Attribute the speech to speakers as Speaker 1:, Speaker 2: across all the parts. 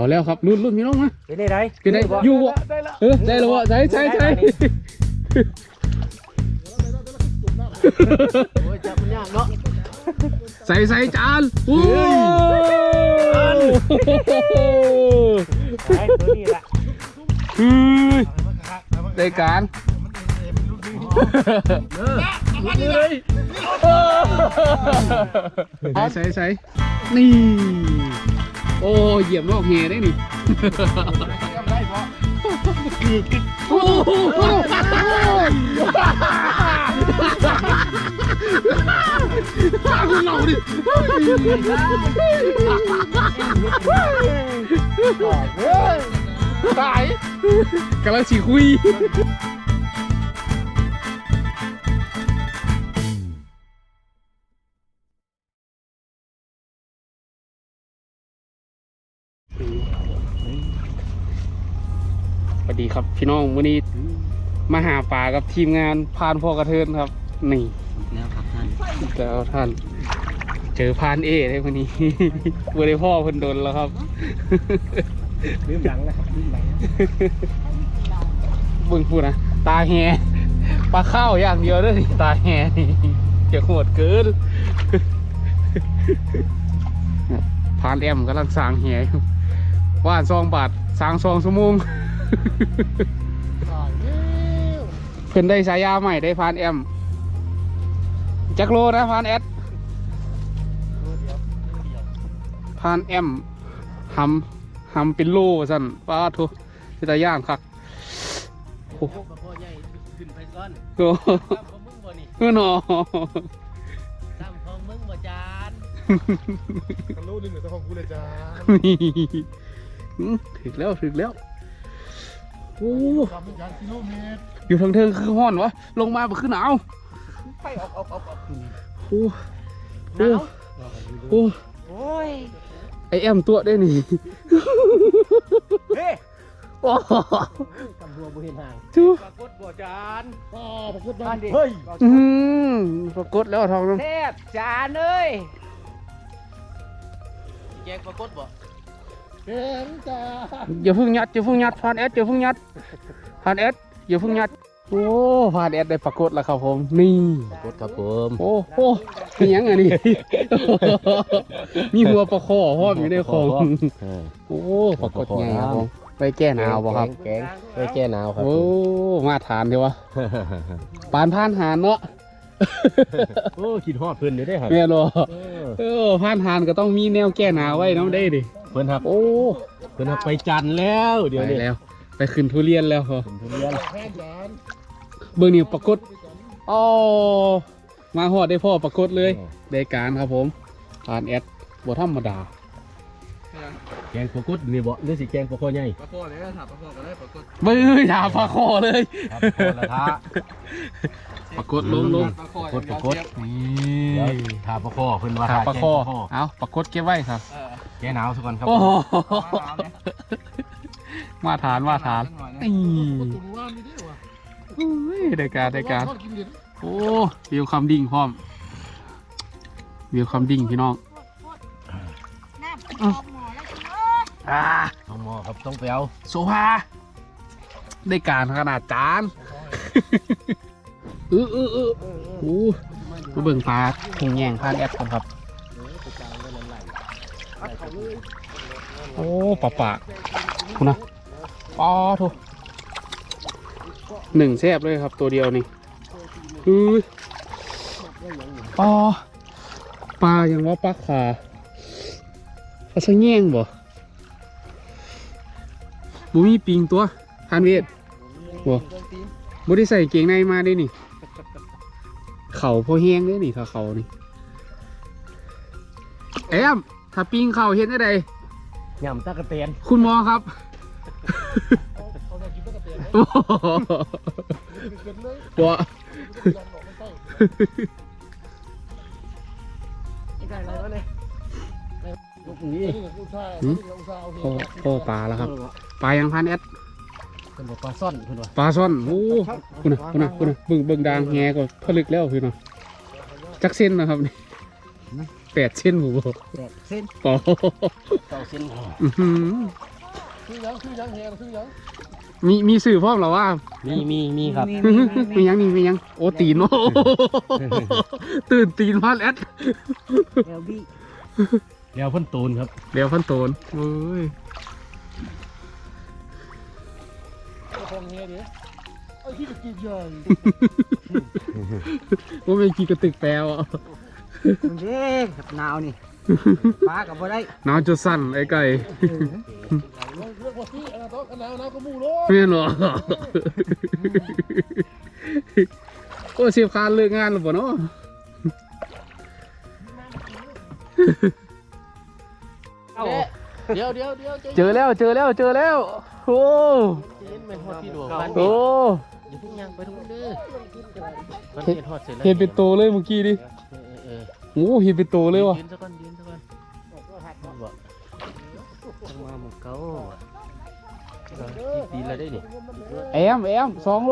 Speaker 1: แล้วครับรุ่นพี่น้องนะ
Speaker 2: เป็นได้ไร
Speaker 1: เป็นไงอยู่บ่ได้แล้วบ่ใช่
Speaker 2: โอ้ยจับมันยากเนาะ
Speaker 1: ใส่จานโอ้
Speaker 2: ไอ้ตัวนี้แหละ
Speaker 1: ได้การใส่นี่โอ้เหยียบนอกเฮได้นี่โอ้โหข้าคุณเราดิตายกำลังฉีคุยสวัสดีครับพี่น้องวันนี้มาหาปลากับทีมงานพานพ่อกระเทินครับนี่แล้วครับท่านแล้วท่านเจอพานเอได้วันนี้วันนี้พ่อเพิ่นโดนแล้วครับ
Speaker 2: ลืมหลังนะครับลืมหลัง
Speaker 1: บึ้งพูดนะตาแหปลาข้าวอย่างเดียวด้วยตาแหนี่จะโหดเกินพานแอมกำลังสร้างแหว่าน2 บาทสร้าง2 ชั่วโมงเพิ่นได้ฉายาใหม่ได้พานแอมจักโลนะพานแอดพานแอมหำเป็นโลสั่นป้าทุสิตาย่างคักโอ้โหขึ้นไปก่อนโอ้โหมึงบ่นี่หนอตามของมึงบ่จานกันรู้นึงเหรอตามของกูเลยจานถึกแล้วโอ้อยู่ทางเทิงคือห้อนวะลงมาบ่คือหนาวไปออกโอ้ยไอแอมตัวได้นี่
Speaker 2: เฮ้ย
Speaker 1: โอ้
Speaker 2: กำบัวบุเห็นห่าง
Speaker 1: จู
Speaker 2: ปรากฏบัวจาน
Speaker 1: ปรากฏ
Speaker 2: บ้านเฮ้ย
Speaker 1: ปรากฏแล้วทองน้ำ
Speaker 2: แทบจานเอ้ยแยกปรากฏบ่
Speaker 1: เห็นจ้าอย่าเพิ่งยัดพานแอดอย่าเพิ่งยัดพานแอดอย่าเพิ่งยัดโอ้พานแอดได้ปรากฏแล้วครับผมนี่
Speaker 2: ปรากฏครับผม
Speaker 1: โอ้มียังไงนี่มีหัวปลาคอห้อมอยู่ในของโอ้ปรากฏไงครับผมไปแก้หนาวบ่ครับ
Speaker 2: แกงไปแก้หนาวครับ
Speaker 1: โอ้มาทานดีวะปานพานหานเนาะ
Speaker 2: โอ้ขีดฮอดเพิ่นอยู่ได้ครับ
Speaker 1: แม่รอพานหานก็ต้องมีแนวแก้หนาวไว้น้ำได้ดิ
Speaker 2: เพิ่นครับ
Speaker 1: โอ้
Speaker 2: เพิ่นไปจันแล้วเดี๋ยวนี้
Speaker 1: แล้วไปขึ้นทุเรียนแล้วเหรอ
Speaker 2: ทุเรียน
Speaker 1: เบอร์นิวปรากฏอ๋อมาหอดได้พ่อปรากฏเลยได้การครับผมพานแอดบ่ธรรมดา
Speaker 2: แกงปรากฏนี่บ่หรือสิแกงปลาคอใหญ่
Speaker 3: ปลาคอเลยถามปลาคอก็ได้ปรากฏ
Speaker 1: เบ้ยถามปลาคอเลยปรากฏลง
Speaker 2: ปรากฏนี่ถามปลาคอเพิ่นว่า
Speaker 1: ถามปลาคอเอาปรากฏเก็บไว้ครับ
Speaker 2: แกหนาวสักก่อนครับ
Speaker 1: มาทานนี่ได้การโอ้วิวคำดิ่งพร้อมวิวคำดิ่งพี่น้อง
Speaker 2: ต้องหม้อครับต้องไปเอา
Speaker 1: โซฟาได้การขนาดจานโอ้เบิ่งปลาคงแย่งพานแอดกันครับโอ้ปลาคุณนะอ๋อทุก1แซ่บเลยครับตัวเดียวนี่อ๋อปลาอย่างว่าปลาขาปลาสะแง่งบ่มีปิงตัวทานเวทบ่ได้ใส่เกงในมาได้นี่เข่าพอแห้งได้นี่เขานี่แอมถ้าปิงเข่าเห็นได้
Speaker 2: ยำตะกะเตียน
Speaker 1: คุณหมอครับตัวโอ้ปลาแล้วครับปลายังพันแอด
Speaker 2: ปลาซ่อน
Speaker 1: ปลาซ่อนโอ้คุณนะเบิ่งดางแงก็ผลึกแล้วคือเนาะจักเส้นนะครับนี่8 เส้นผมบอก
Speaker 2: 8 เส้น
Speaker 1: ต่อ
Speaker 2: 9 เส้น
Speaker 3: คือยังแหงคือยัง
Speaker 1: มีสื่อพร้อมเหรอว่า
Speaker 2: มีครับ
Speaker 1: มียังนี่มียังโอ้ตีนโอ้ตื่นตีนพาดแอด
Speaker 3: แอลบี้
Speaker 2: เดี๋ยวพ่นตูนครับ
Speaker 1: เดี๋ยวพันโตนเฮ้ย
Speaker 3: คงเฮียดิไอ้ที่ตะกี้ใหญ่
Speaker 1: ว่าไม่กี่กระตึกแปลวอ่ะ
Speaker 3: มันเด้กับหนาวนี่ฟ้ากับบ่ได้
Speaker 1: หนาวจะสั่นไอ้ไก่
Speaker 3: เลือกว่าพี่อันนั้นหนาวก็มู่โล
Speaker 1: ไม่หรอโอ้เสียบคานเลิกงานหรือเปล่าเนาะ
Speaker 3: เดี๋ยว
Speaker 1: เจอแล้วโอ้
Speaker 3: เป็นฮอดพี่ดวง
Speaker 1: โอ้
Speaker 3: อย่าเพิ่งยังไปทุกเด้อมัน
Speaker 1: เห็
Speaker 3: เห็นฮอดเสร็จแล้ว
Speaker 1: นเป็นโตเลยเมื่อกี้ดิ โอ้เห็นเป็นโตเลยว่ะ
Speaker 3: ยืนซะก่อนบอกมาหมกเก้าตีแล้วได้นี่
Speaker 1: แอม2 โล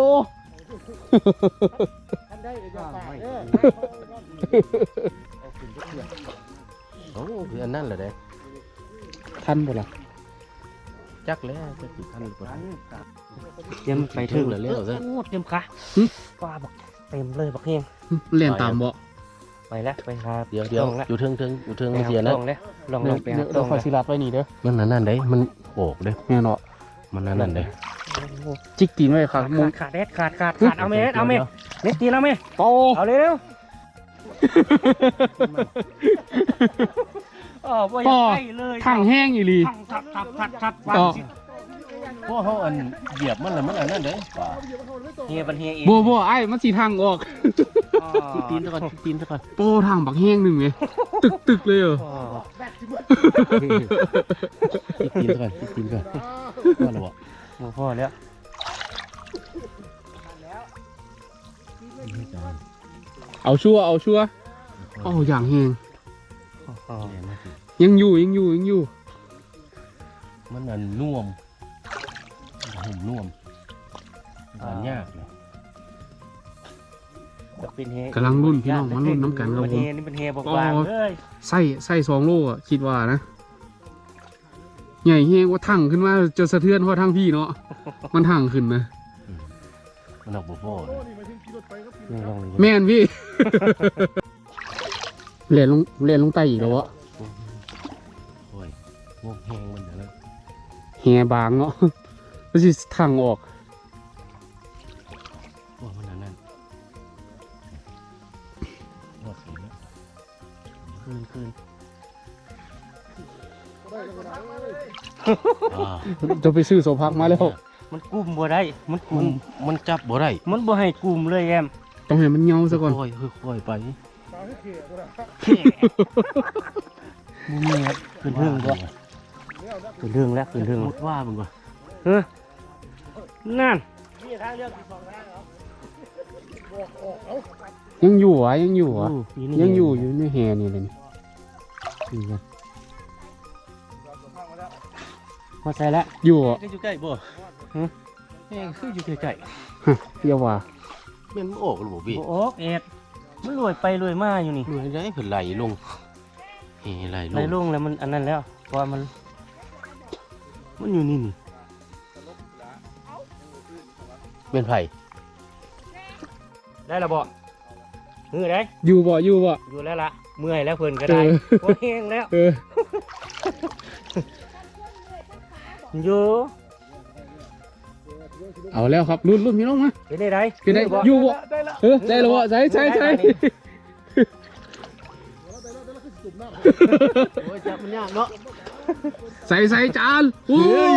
Speaker 3: โอ้คืออันนั้นเหรอเด้
Speaker 1: ทันบ่ล่ะ
Speaker 3: จักแล้วจะกี่พันหรือเปล่า
Speaker 2: เตรียมไปถึงแล้ว
Speaker 3: เต็มค่ะปลาบอกเต็มเลยบักเฮง
Speaker 1: เล่นตามบ่
Speaker 3: ไปแล้วไปครับ
Speaker 2: เดี๋ยวอยู่เทิงเสียนะ
Speaker 3: ลองแล้วลองไป
Speaker 1: เดี๋ยวคอยสิลัดไว้นี่เด้อ
Speaker 2: มันนั่นเด้มันโอกเด้
Speaker 1: แม่เนาะ
Speaker 2: มันนั่นเด้
Speaker 1: จิกตีนไว้ครับมุง
Speaker 3: ขาดเอาเมเน็ตตีแล้วเม
Speaker 1: โต
Speaker 3: เอาเร็วอ๋อบ่อยากไปเลย
Speaker 1: ทางแห้งอีหลี
Speaker 3: ทัด
Speaker 1: ต่อ
Speaker 2: พวกเขาอันเหยียบมันแล้วมันอันนั้นเด้
Speaker 3: เฮียบันเฮียเอง
Speaker 1: บ่ไอ้มันสิทางออก
Speaker 2: ตีนซะก่อน
Speaker 1: โป้ทางบักแห้งหนึ่งไงตึกเลยเหรอ
Speaker 2: ตีนซะก่อนว่าแล้วบ่
Speaker 3: หมูพ่อแล้ว
Speaker 1: เอาชัวโอ้อย่างแห้งยังอยู่
Speaker 2: มันอันน่วมหุ่มน่วมอันยากเลย
Speaker 3: เป็นเฮ
Speaker 1: กำลังรุ่นพี่น้องมันรุ่นน้ำกันครับผม
Speaker 3: นี่เป็นเฮบอกวางเลย
Speaker 1: ไส้2 โลอ่ะคิดว่านะใหญ่แห้งว่าทั้งขึ้นมาจะสะเทือนเพราะทั้งพี่เนาะมันทั้งขึ้นนะ
Speaker 2: มันออกบ่พอ
Speaker 1: แม่นพี่ เรียนลงใต้อีกแล้ววะ
Speaker 2: โอ้ยงบแห้งมันเดี๋ยวนะ
Speaker 1: แหบางเนาะมันสิทางออก
Speaker 2: ว่ามันอันนั้นว่าสีนะคืน
Speaker 1: จะไปซื้อโซพักมาแล้ว
Speaker 3: มันกุมบ่ได้มัน
Speaker 2: จับบ่ได้
Speaker 3: มันบ่ให้กุมเลยแอม
Speaker 1: ต้องให้มันเงาซะก่อน
Speaker 2: ค่อยไป
Speaker 3: มึงนี่ครับขึ้นเรื่องด้วยขึ้นเรื่องแล้วขึ้นเรื่อง
Speaker 2: หมดว่ามึงก่อน
Speaker 3: นั่น
Speaker 1: ยังอยู่อ่ะยังอยู่ในแหนี่เลยนี่
Speaker 3: พอใส่แล้ว
Speaker 1: อยู่อ่ะ
Speaker 2: อยู่ใกล้บ่แห้งคืออยู่ใกล้
Speaker 1: ฮะเดี๋ยวว่า
Speaker 2: ๆมันออกหรือบ่พี่
Speaker 3: โอ้เอ็ดมันรวยไปรวยมาอยู่นี่
Speaker 2: เหนื่อยได้เพิ่นไหลลงไหลล
Speaker 3: ไรง ลงแล้วมันอันนั้นแล้วเพราะว่ามันอยู่นี่
Speaker 2: เป็นไผ
Speaker 3: ได้ละบ่มือได้
Speaker 1: อยู่บ่
Speaker 3: อยู่แล้วล่ะเมื่อยแล้วเพิ่นก็ได้โอ้แห้งแล้วอยู่
Speaker 1: เอาแล้วครับรุ่นพี่น้องมา
Speaker 3: เป็นได้
Speaker 1: เป็นได้อยู่บ่ได้แล้วบ่ใส่
Speaker 2: โอ้ยจับมันยากเนาะ
Speaker 1: ใส่จานโอ้ย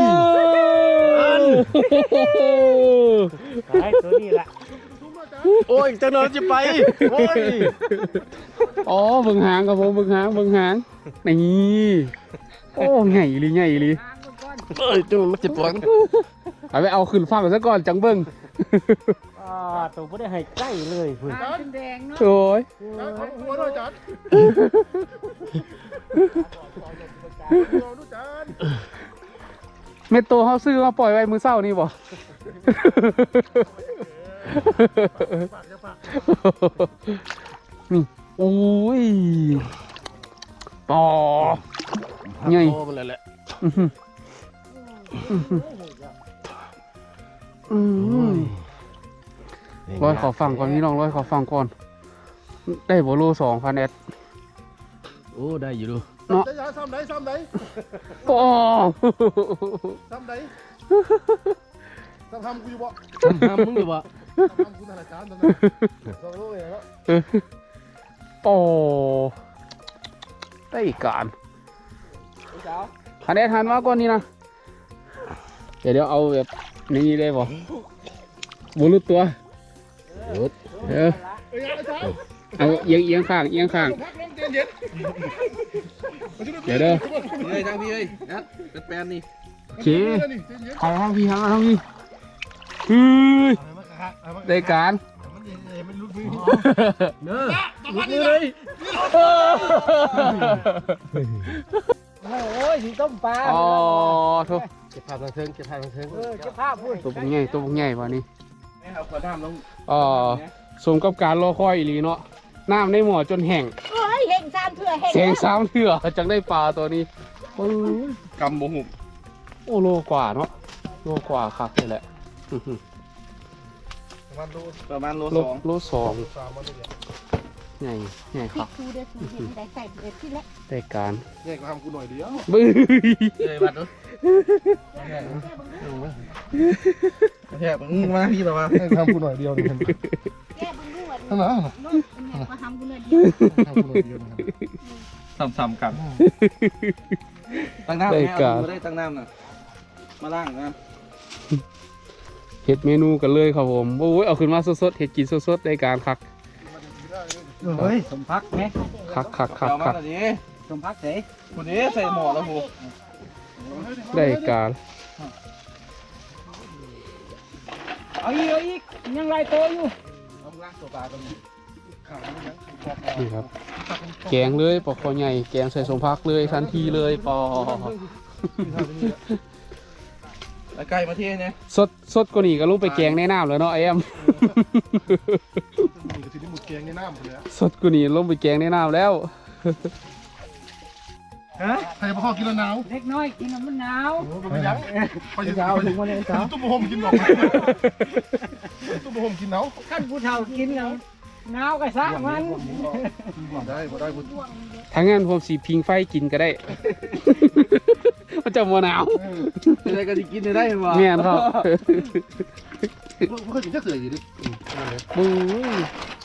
Speaker 3: ไอ้ตัวนี้แหละ
Speaker 2: โอ้ยจังนอนจะไปโอ้ย
Speaker 1: อ๋อเบิ่งหางครับผมเบิ่งหางนี่โอ้ใหญ่อีหลี
Speaker 2: เอ้ยจังมันจะปวด
Speaker 1: เอาไปเอาขึ้นฟังซะก่อนจังเบิ่ง
Speaker 3: ตัวไม่ได้ให้ใกล้เลยเพื่อน
Speaker 4: แดงเนาะ
Speaker 1: โอ้ย
Speaker 3: หัวด้วยจัด
Speaker 1: เม็ดโตเฮาซื้อมาปล่อยไว้มื้อเช้านี่บ่นี่โอ้ยต่อใหญ่
Speaker 2: โอ้มันแหละ
Speaker 1: ร้อยขอฟังก่อนพี่น้องร้อยขอฟังก่อนได้โบโล2,000 แอด
Speaker 2: โอ้ได้อยู่ดู
Speaker 1: เนาะ
Speaker 4: จะซ้ำไหนซ้ำไหน
Speaker 1: โอ้
Speaker 4: ซ้ำไหนซ้ำทำกูอยู่บ่
Speaker 2: ทำมึงอยู่บ่
Speaker 4: ซ้ำกูธนาคารตอนนั้นซ้ำรู้เลยแล้ว
Speaker 1: โอ้ได้การ1,000 แอดหันมาก่อนนี่นะเดี๋ยวเอาแบบนี้ได้บ่บรู้ตัวเอาเอียงข้างเดี๋ยวเด้อ
Speaker 2: เฮ้ยทางพี่เฮ้ยนะเป็นแปลนนี่
Speaker 1: โอเคใครห้างพี่ฮือได้การ
Speaker 4: มันลุกมือ
Speaker 2: เด้อลุกเลย
Speaker 3: โอ้ยสีต้มปลา
Speaker 1: อ๋อโทษ
Speaker 2: เก็บภาพทางเทิงเก็บภาพทางเทิง
Speaker 3: เก็บภาพพูด
Speaker 1: ตัวพวกใหญ่วันนี้
Speaker 2: เอาขวดน้ำลง
Speaker 1: สมกับการรอคอยอีหลีเนาะน้ำในหม้อจนแห้ง
Speaker 5: เฮ้ยเห็นซ้ำเถื่อเห็น
Speaker 1: แสงซ้ำเถื่อจังได้ปลาตัวนี้
Speaker 2: กำบ่หุบ
Speaker 1: โอ้โลกว่าเนาะโลกว่าครับนี่แหละ
Speaker 2: ประมาณโล
Speaker 1: โล
Speaker 2: 2
Speaker 1: 2ใหญ่ค
Speaker 5: พริ
Speaker 1: รั
Speaker 5: ก
Speaker 1: บ
Speaker 5: ทูเดือดเห็นได้ใส่เดือดที่แล้ว
Speaker 1: ได้การ
Speaker 4: แยกก็ทำกูหน่อยเดียว
Speaker 1: บื้อ
Speaker 2: เลยบัดดูแทบมึงมาพี่แบบว่า
Speaker 4: แยกทำกูหน่อยเดียวนี่
Speaker 5: แก้บึงด้วย
Speaker 4: นั่นนะ
Speaker 5: น้องเป็นไงก็ทำกูเลยเดียว
Speaker 4: ทำกูหน่อยเดียวนะครับ
Speaker 2: ซ้ำๆกันตั้งน้ำได้ตั้งน้ำน่ะมาล้างนะ
Speaker 1: เห็ดเมนูกันเลยครับผมโอ้ยเอาขึ้นมาสดๆเห็ดกินสดๆได้การคัก
Speaker 3: เฮ้ยสมพักไหม
Speaker 1: คัก
Speaker 2: เอามาตอนนี้
Speaker 3: สมพักเส
Speaker 2: คนนี้ใส่หม้อแล้วหู
Speaker 1: ได้การ
Speaker 3: เอาอีกยังไรโตอยู่
Speaker 1: นี่ครับแกงเลยปอกคอใหญ่แกงใส่สมพักเลยทันทีเลยปอ
Speaker 2: แล้วไก่มาเทเนี่ย
Speaker 1: สดกว่านี้ก็ลงไปแกงในน้ำแล้วเนาะไอ้แอม
Speaker 4: นี่ก็สิได้หมดแกงในน้ำเลย
Speaker 1: สดกว่านี้ลงไปแกงในน้ำแล้ว
Speaker 3: ฮะ
Speaker 4: ใครมาข้อกินแล้วหนาว
Speaker 3: เล็กน้อยกินแล้วมันหนาว
Speaker 4: โอ้ไปยังไปยัง
Speaker 3: เช้าถึงวันนี้เช้า
Speaker 4: ตุ้มโฮมกินหรอกตุ้มโฮมกินหนาว
Speaker 3: ขั้นผู้เฒ่ากินแล้วหนาวก็ซะมัน
Speaker 4: ได้บ่ได้บ่
Speaker 1: ถ้างั้นผมสีพิงไฟกินก็ได้ มันจะมัวหนาว
Speaker 2: อะไรก็จะกินได้ไหม
Speaker 1: แม่นครับ
Speaker 4: เคยกินแค่เสืออยู่ดิ
Speaker 1: บู๊ย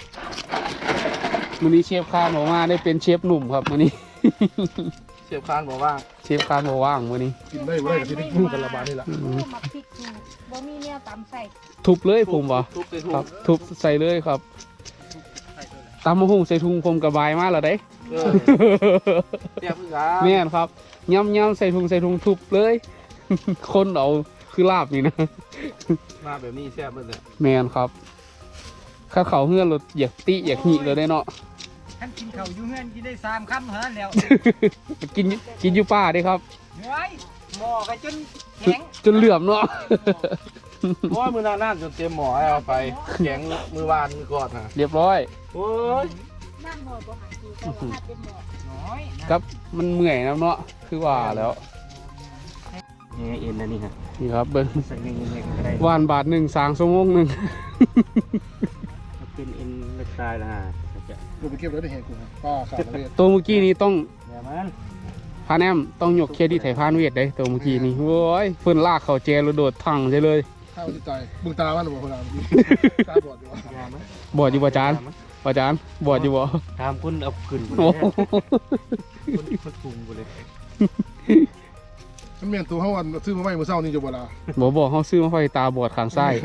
Speaker 1: มื้อนี้เชฟคานบอกว่าได้เป็นเชฟหนุ่มครับมื้อนี้
Speaker 2: เชฟคานบอกว่า
Speaker 1: เชฟคานบอกว่างมื้อนี้
Speaker 4: กินได้บ่ได้ก็สิได้กินกันละบาทนี่แหละ
Speaker 5: มาพริกทูบ่มีเนี่ยตำใส่
Speaker 1: ทุบเลยผมวะ
Speaker 2: ทุบเลย
Speaker 1: ครับ ทุบใส่เลยครับตำมะฮุ่งใส่ถุงผมกระบายมากแล้วได้
Speaker 2: เตรียมกัน
Speaker 1: แม่นครับย่ำใส่ถุงทุบเลย คนเอาคือลาบนี่นะ
Speaker 2: มาแบบนี้แซ่บเลย
Speaker 1: แม่นครับข้าเขาเฮือนรถอยากติอยากหิเลยได้เนาะ
Speaker 3: ขั้นกินข้าวอยู่เฮือนกินได้3 คำเท่านั้นแล้ว
Speaker 1: กินอยู่ป่าเด้ครับ
Speaker 3: เฮ้ยหม้อก็จนแข็ง
Speaker 1: จนเหลื่อมเนาะ
Speaker 2: เพราะว่ามือหน้าจนเต็มหมอเอาไปแข็งมือวานมือก่อนนะ
Speaker 1: เรียบร้อย
Speaker 2: โอ้ย
Speaker 5: นั่งหมอบ่หาคือแต่ว่าถ้าเป็นหมอ
Speaker 3: น้อย
Speaker 1: ครับมันเมื่อยนะเนาะคือว่าแล้ว
Speaker 3: นี่เอ็นนะนี่ฮะ
Speaker 1: นี่ครับเบิ้ง
Speaker 3: ใส่เงี้ยๆก็ได้
Speaker 1: วานบาทหนึ่งสางชั่วโมงหนึ่ง
Speaker 3: เป็นเอ็นเล็กตายละฮะ
Speaker 4: กูไปเก็บไว้ในแหงกูป้าขาดเลย
Speaker 1: ตัวเมื่อกี้นี้ต้อง
Speaker 3: อย่ามัน
Speaker 1: พาแนมต้องยกเครดิตให้พานเวทได้ตัวเมื่อกี้นี้โว้ยเพิ่นลากเขาแจแล้วโดดทังใช่เลย
Speaker 4: ข้าวจิตใจมึงตามันหรือเปล่าคนละตาบอดอยู่วะ
Speaker 3: อย่ามัน
Speaker 1: บอดอยู่ป่ะจานป่ะจานบอดอยู่บ่
Speaker 3: ถามคุณเอาขึ้นคุณ
Speaker 1: โอ้
Speaker 3: เลย
Speaker 1: โห
Speaker 3: คุณปรุงกูเลย
Speaker 4: มันเมียนตัวเขาวันซื้อมาใหม่เมื่อเช้านี่จะบ่ละ
Speaker 1: บอกเขาซื้อมาไฟตาบอดข้างซ้าย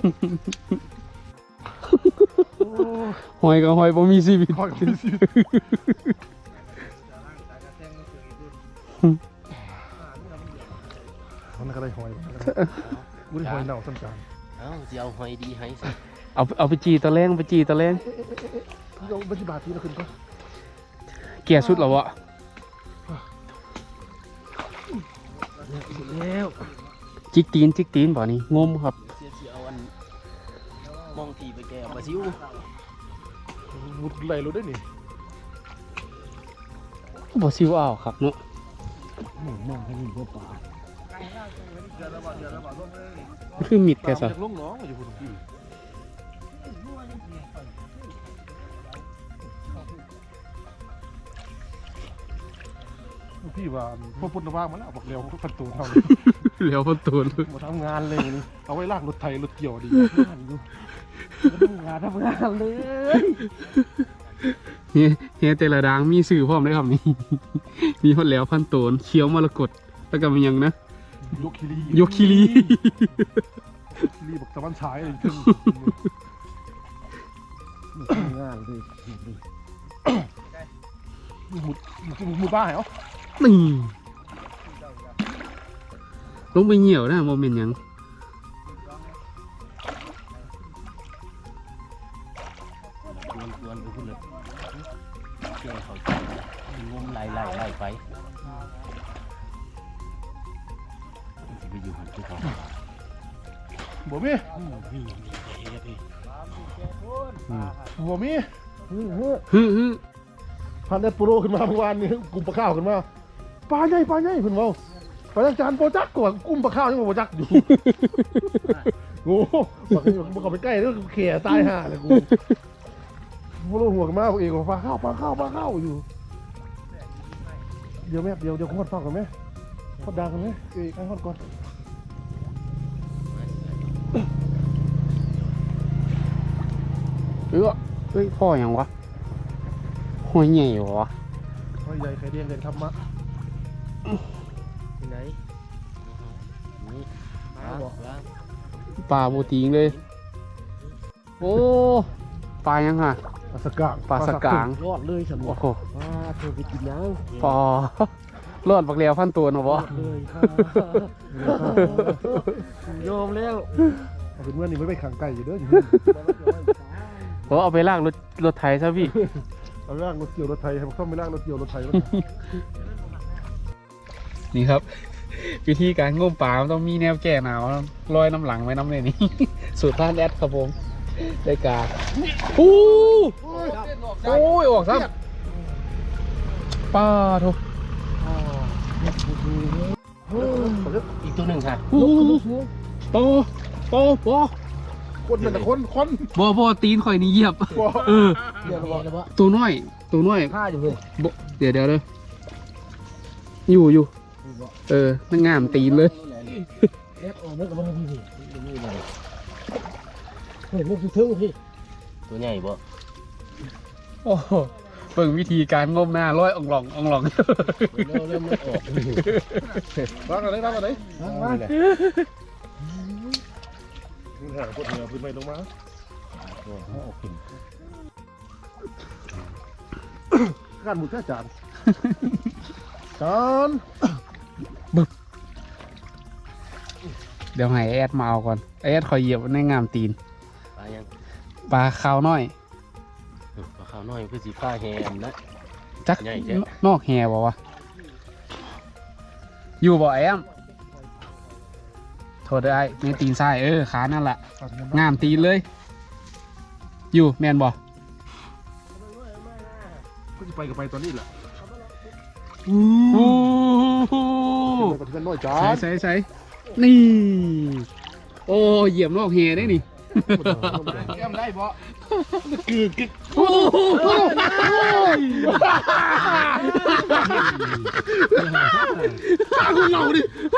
Speaker 1: หอยกับหอยบ่มีชีวิต
Speaker 4: คอยกินสิมันก็ได้หอยกูได้หอยเน่าสั้นจาน
Speaker 2: เอ้าจะเอาหอยดีให้สิ
Speaker 1: เอาไปจีตะแรงไปจีตะแรง
Speaker 4: เราบัญชีบาทที่เราขึ้นก็
Speaker 1: เกียร์สุดแล้ววะ
Speaker 2: แล้ว
Speaker 1: จิกตีนบ่นี่งมครับ
Speaker 2: เสียเอาอันมองทีไปแกมาซิว
Speaker 4: มุดไหลรู้ได้นี่
Speaker 1: บ่ซิวอ้าวครับเนาะ
Speaker 3: มองให้มีบัวป่า
Speaker 1: คือมิดแค่
Speaker 4: ตาม
Speaker 1: ซะ
Speaker 4: จากลงน้องอยู่พุ่นพี่พี่ว่าพวกพุ่นว่างมาแล้วบอกเร็วประตูเท่านี้
Speaker 1: เหลียวประตูน
Speaker 4: มาทำงานเลยนี่เอาไว้ลากรถไถรถเกี่ยวดีงานอยู่
Speaker 3: ทำงานเลย
Speaker 1: เฮียแต่ละดังมีสื่อพร้อมได้ครับนี่ มีฮอดแล้วพันโตนเคี้ยวมรกตแล้วก็มีหยังนะ
Speaker 4: ยกคิรี
Speaker 1: ยกคิรี
Speaker 4: คิรีบอกตะวันฉายเลยถึง
Speaker 3: ทำงานเลย
Speaker 4: หมุดบ้าเหรอ
Speaker 1: นี่ลงไปเหี่ยวนะโมเมนต์หยัง
Speaker 2: วนๆดูขึ้นเลยเจ้าเขางมไล่ไปจะไปอยู่หันที่เขา
Speaker 4: บ่มีบ่มี
Speaker 1: ฮึ
Speaker 4: พันได้โปรขึ้นมาเมื่อวานนี้กลุ่มปลาข้าวขึ้นมาปลาใหญ่เพิ่นเว้าปลาจานโปรจักก่อนกลุ่มปลาข้าวยังบ่โปรจักอยู่โง่บ่เข้าไปใกล้แล้วเขี่ยตายห่าเลยกูบ่รู้หัวกันมาพวกเองว่าปลาข้าวอยู่เดี๋ยวแม่เดี๋ยวโคตรฟังกันไหมโคตรดังกันไหมไอ้โคตรก่อน
Speaker 1: เฮ้ยพ่อหยังวะห้อยใหญ่วะ
Speaker 4: ไอ้ใหญ่ไข่เดียนเด่นครับมะ
Speaker 3: ที่ไหน
Speaker 1: ปลาโบติงเลย โอ้ปลายังฮะ
Speaker 4: ปลาสกาง
Speaker 1: ปลาสกาง
Speaker 3: รอดเลยฉันบ
Speaker 1: โอ้
Speaker 3: อก
Speaker 1: โห
Speaker 3: ว่าเธอไปกินยัง
Speaker 1: ปอรอดบักเลียวพันตัวเนาะบ่
Speaker 3: เลยค่ะยอมแล้ว
Speaker 4: เอาเป็นว่านี่ไม่ไปขังไก่อยู่เด้ออยู่
Speaker 1: โอ้เอาไปลากรถไถซะพี่
Speaker 4: เอาล่างรถเกี่ยวรถไทยให้มันเข้าไม่ล่างรถเกี่ยวรถไทย
Speaker 1: นี่ครับ วิธีการงมปลามันต้องมีแนวแก้หนาวลอยน้ำหลังไว้น้ำเลยนี่ สูตรท่านแอดครับผมได้การโอ้ยออกซ้ำปลาทุก
Speaker 2: อีกตัวหนึ่งค่ะ
Speaker 1: โตบ่
Speaker 4: คนนั่นแต่คน
Speaker 1: บ่ตีนข่อยนี่เหยียบ เออ
Speaker 3: เดี๋ยวบอกเลยว่า
Speaker 1: ตัวน้อย
Speaker 3: ผ้าอยู่เลย
Speaker 1: บ่เดี๋ยวเลยอยู่นั่งงามตีนเลย
Speaker 3: เล็บออกไม่กับมันพี่เฮ้ยมันคือทึ่งพี่
Speaker 2: ตัวใหญ่บ่
Speaker 1: โอ้โหเบิ่งวิธีการงมหน้าร้อยอ่องหลอง
Speaker 2: เริ่มไม่ออก
Speaker 4: บ้างอะไร
Speaker 3: มา
Speaker 4: นี่แหละคนเหนือพื้นไม่ลงมาการหมุดแค่จาน
Speaker 1: เดี๋ยวให้แอดมาเอาก่อนแอดคอยเหยียบในงามตีน
Speaker 2: ปลายัง
Speaker 1: ปลาขาวน้อย
Speaker 2: ปลาขาวน้อยคือสีฟ้าแฮมนะ
Speaker 1: จัก
Speaker 2: ใหญ่แท้
Speaker 1: นอกแฮบ่วะอยู่บ่แอมโทษได้ในตีนซ้ายขานั่นแหละงามตีนเลย อยู่แมนบ่
Speaker 4: ก็จะไปกับไปตอนนี้แหละ
Speaker 1: โอ้โห
Speaker 4: ไปกับที่น้อยจาน
Speaker 1: ใส่นี่ โอ้เหยียบนอกแฮได้นี่
Speaker 4: แก้มได้บ่
Speaker 1: โอ้โห
Speaker 4: ตาคุณเราดิ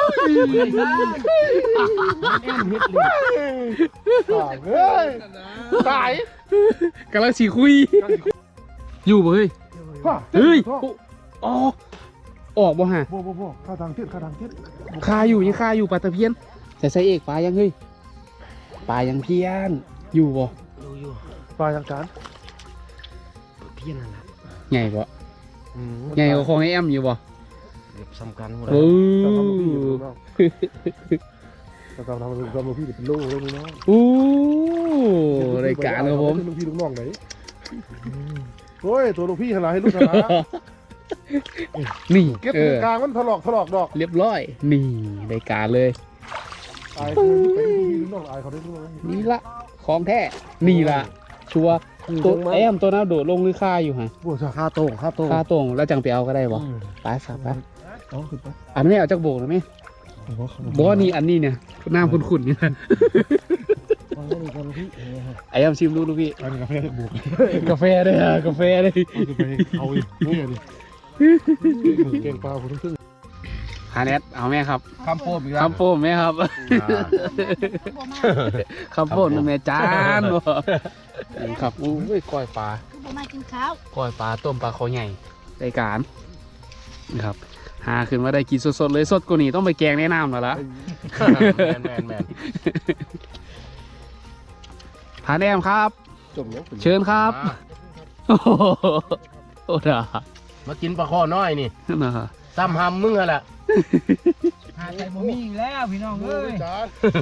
Speaker 4: เฮ้ยตาย
Speaker 1: กำลังสีคุย อยู่บ่เฮ้ย เฮ้ยออกบ่ฮะ
Speaker 4: บ่ข้าทางเทียน
Speaker 1: คาอยู่ยังคาอยู่ปลาตะเพียนใส่เอกปลายังเฮ้ยปลายังเพี้ยนอยู่บ่
Speaker 3: อยู่
Speaker 4: ปลาอย่างจาน
Speaker 3: เพี้ยนนั่นแหละ
Speaker 1: ใหญ่บ่ใหญ่กว่าของไอแอมอยู่บ่
Speaker 3: เก็บสำคัญหมด
Speaker 1: โอ้
Speaker 4: เราทำลูกพี่เป็นลูกเลยน้อง
Speaker 1: โอ้รายการครับผม
Speaker 4: ลูกพี่ลูกน้องไหนโอ้ยตัวลูกพี่ขนาดให้ลูกขนาด
Speaker 1: นี่
Speaker 4: เก็บกลางมันถลอกดอก
Speaker 1: เรียบร้อยนี่รายการเลย
Speaker 4: อายคือเป็นลูกพี่ลูกน้องอายเขาได้ด้วย
Speaker 1: นี่ละของแท้นี่ละชัวร์ตัวไอแอมตัวนั้นโดดลงหรือคาอยู่ฮะ
Speaker 4: บัวจ้า
Speaker 3: ค่าโต้ง
Speaker 1: คาตรงแล้วจังไปเอาก็ได้บ่ไปสับไป
Speaker 4: เอาขึ้นไป
Speaker 1: อันนี้เอาจากโบกนะไหมบอนี่อันนี้เนี่ยน้ำขุ่นๆนี่นะไอ้ยำชิมดูพี่
Speaker 4: อันนี้กาแฟบวก
Speaker 1: กาแฟเลยอะกาแฟเลย
Speaker 4: เอาอีกนี่ดิเก่งปลาคุณทึ่ง
Speaker 1: ฮาเนสเอาแม่ครับ
Speaker 2: คำโป้มอีกแล้ว
Speaker 1: คำโป้มแม่ครับ
Speaker 5: บ่มา
Speaker 1: คำโป้มแม่จานบ่ครับอุ้ยก้อยปลา
Speaker 5: คือบ่มากินข้าว
Speaker 1: ก้อยปลาต้มปลาคอใหญ่ได้การนะครับหาขึ้นมาได้กินสดๆเลยสดกว่านี้ต้องไปแกงแนะนำแล้วล่ะ
Speaker 2: แมน
Speaker 1: พาแนมครับ
Speaker 4: จมยัง
Speaker 1: เชิญครับโอ้โหโอ้ด่า
Speaker 2: มากินปลาข้อน้อยนี่
Speaker 1: นะฮะ
Speaker 2: ซ้ำหำมึงอะแหละ
Speaker 3: หาใจบ่มีอีกแล้วพี่น้องเอ้ย
Speaker 4: จาน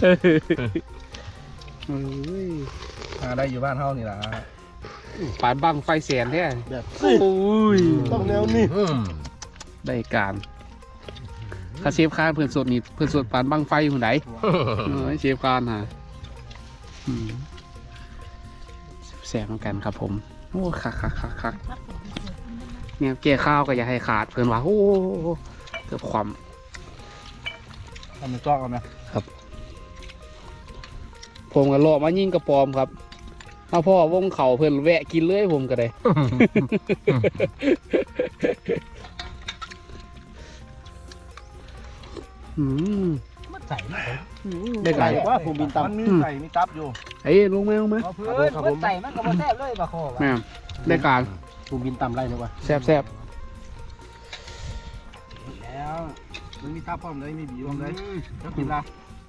Speaker 1: เฮ้ย
Speaker 2: หาได้อยู่บ้านเฮานี่ล่ะ
Speaker 1: ปานบังไฟแสนแท้
Speaker 4: แบบ
Speaker 1: โอ้ย
Speaker 4: ต้องแนวนี้
Speaker 1: ได้การถ้าเชฟคานเพื่อนสดนี่เพื่อนสดปานบังไฟหุ่นไหนเชฟคานฮะแสบเหมือนกันครับผมโอ้คักเนี่ยเกี่ยข้าวก็อย่าให้ขาดเพื่อนว่าโอ้เกือบความ
Speaker 2: ทำเป็นจอกกันนะ
Speaker 1: ผมก็รอมายิ่งกระปอมครับถ้าพ่อวงเขาเพื่อนแวะกินเลยผมก็ได้
Speaker 3: มันใส่มัน
Speaker 1: ได้ไก่
Speaker 4: ว่าผมบินตาม
Speaker 2: มันมีไก่มีตับอยู่
Speaker 1: เฮ้ยลงไหม
Speaker 3: เพื่อนมันใส่มันก็บ่แซ่บเลยปลาคอ
Speaker 1: แม่ได้การ
Speaker 4: ผมบินตามไรนะวะ
Speaker 1: แซบ
Speaker 2: แล้วมันมีตับพร้อมเลยมีบีพร้อมเลยแล้วกินละ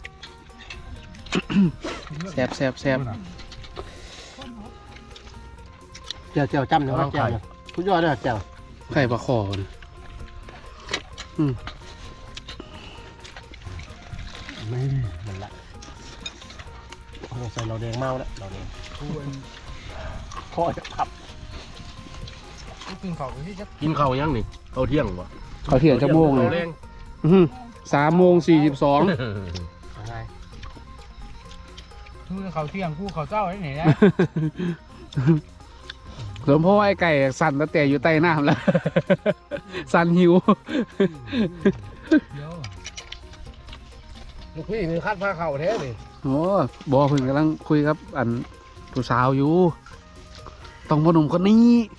Speaker 1: แซบ
Speaker 4: เจียวจำเนี่ยว่าเจียวคุณยอดเลยเจียว
Speaker 1: ไข่ปลาคอนะ
Speaker 4: ไม่มันละเราใส่เราแดงเมาแล้วเราแดงข้อจะพับ
Speaker 3: กินข้าวที่จะ
Speaker 2: กินข้าวยังนี่ข้าวเที่ยงวะ
Speaker 1: เขาเถียงจะโมงเล
Speaker 2: ข้าวย แรง
Speaker 1: 3:42
Speaker 3: คือข้าวเที่ยงกูข้าวเช้าไอ้ไหนนะ
Speaker 1: หลวงพ่อไอ้ไก่สั่นตั้งแต่อยู่ใต้น้ำแล้ว สั่นหิว
Speaker 3: เดี๋ยว
Speaker 2: ลูกพี่มีคัดผ้าเข่าแท้นี่
Speaker 1: โอ้บอเพิ่งกำลังคุยครับอันผู้สาวอยู่ ต้องพ่อหนุ่มคนนี้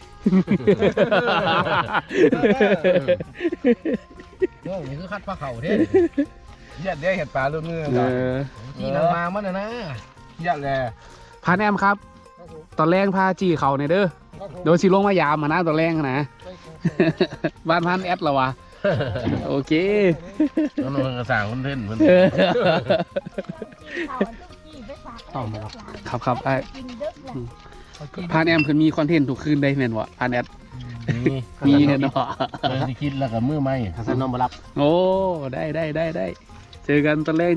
Speaker 2: โอ้นี่คือคัดผ้าเข่าแท้ยัดได้เห็ดปลาลูกเงือก
Speaker 3: ที่มันมามันนะ
Speaker 2: ยัดแล
Speaker 1: พาแนมครับ ตอนแรกพาจีเขาในอยเด้อโดยสิลงมายามมานะตอนแรกนะ บ้านพันแอดละวะ โอเค
Speaker 2: แล้วนกระสางคนเล่นมัน
Speaker 5: ข้าวอันต้องกี้ไปฝาก
Speaker 4: ต้องมาครับ
Speaker 1: ครับไอ้
Speaker 5: กินเด้อแหละ
Speaker 1: พานแอมคือมีคอนเทนต์ทุกคืนได้แม่นวะพานแอด
Speaker 2: นี่
Speaker 1: มีเนาะ
Speaker 2: เลยที่คิดแล้วกับมือไม้
Speaker 4: ถ้าใส่น้องมารับ
Speaker 1: โอ้ได้เจอกันตอนแรก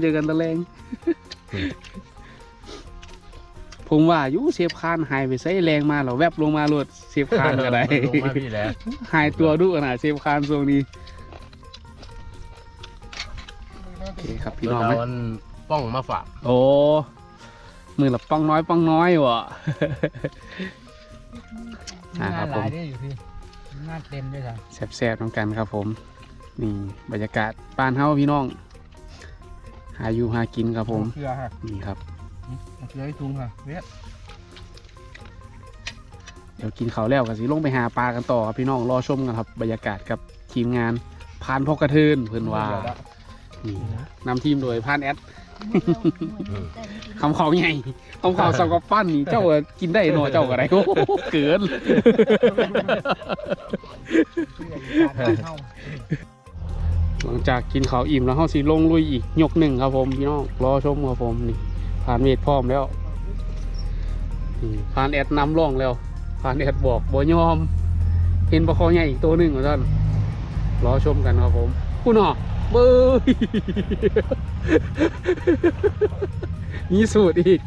Speaker 1: ผมว่าอยู่เชฟคานหายไปใส่แรงมาเหรอแวบลงมาโหลดเชฟคานก็ได้
Speaker 2: ลงมาพี่แล้ว
Speaker 1: หายตัวดุขนาดเชฟคานช่วงนี้โอเคครับพี่น้อง
Speaker 2: เอา
Speaker 1: นะ
Speaker 2: อันป้องมาฝาก
Speaker 1: โอ้มือละป้องน้อยวะ
Speaker 3: งาน
Speaker 1: ครับ
Speaker 3: ห
Speaker 1: ผม
Speaker 3: ลายได้อยู่พี่งานเต็มด้วยจ้ะ
Speaker 1: แซ่บๆน้องกันครับผมนี่บรรยากาศบ้านเฮาพี่น้อง หาอยู่หากินครับผม
Speaker 2: เกลือฮะ
Speaker 1: นี่ครับ
Speaker 2: เกลือให้ทุงฮะเวียด
Speaker 1: เดี๋ยวกินข้าวแล้วก็สิลงไปหาปลากันต่อครับพี่น้องรอชมกันครับบรรยากาศกับทีมงานพานพกกระเทินเพื่อนว่านี่นำทีมโดยพานแอดคำเขาใหญ่คำเขาสังกับปั้นนี่เจ้าก็กินได้หน่อยเจ้าก็ได้โอ้โหเกิน หลังจากกินข้าวอิ่มแล้วเฮาสิลงลุยอีกยกหนึ่งครับผมพี่น้องรอชมครับผมนี่ผ่านเมดพร้อมแล้วนี่ผ่านแอดนำร่องแล้วผ่านแอดบอกบ่ยอมเห็นปลาคอใหญ่อีกตัวหนึ่งของท่านรอชมกันครับผมคุณหนอเบ้ย มีสูตรอีก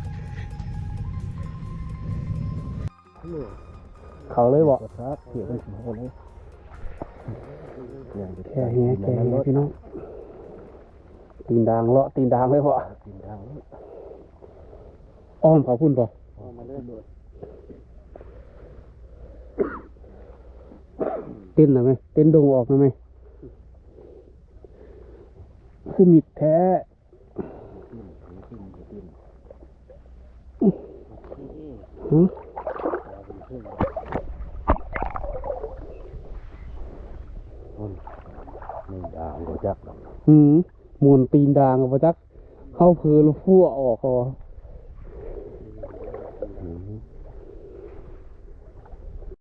Speaker 1: เขาเลยบอก
Speaker 4: ครับเกี่ยวกันถึงคนนี้
Speaker 1: แค่เฮียพี่น้องตีนดางเลาะตีนดางเลยพอ
Speaker 4: กินทาง
Speaker 1: อ้อมเขาพุ่นพอ
Speaker 4: มาเล่นด้วย
Speaker 1: เต้นหน่อยไหมเต้นดงออกหน่อยไหมคือมิดแท้ หือ
Speaker 2: ไม่ด่างก็จัก
Speaker 1: หืมมวนตีนดางกับจักเข้าเพลแล้วฟั่วออกคอ
Speaker 2: อืม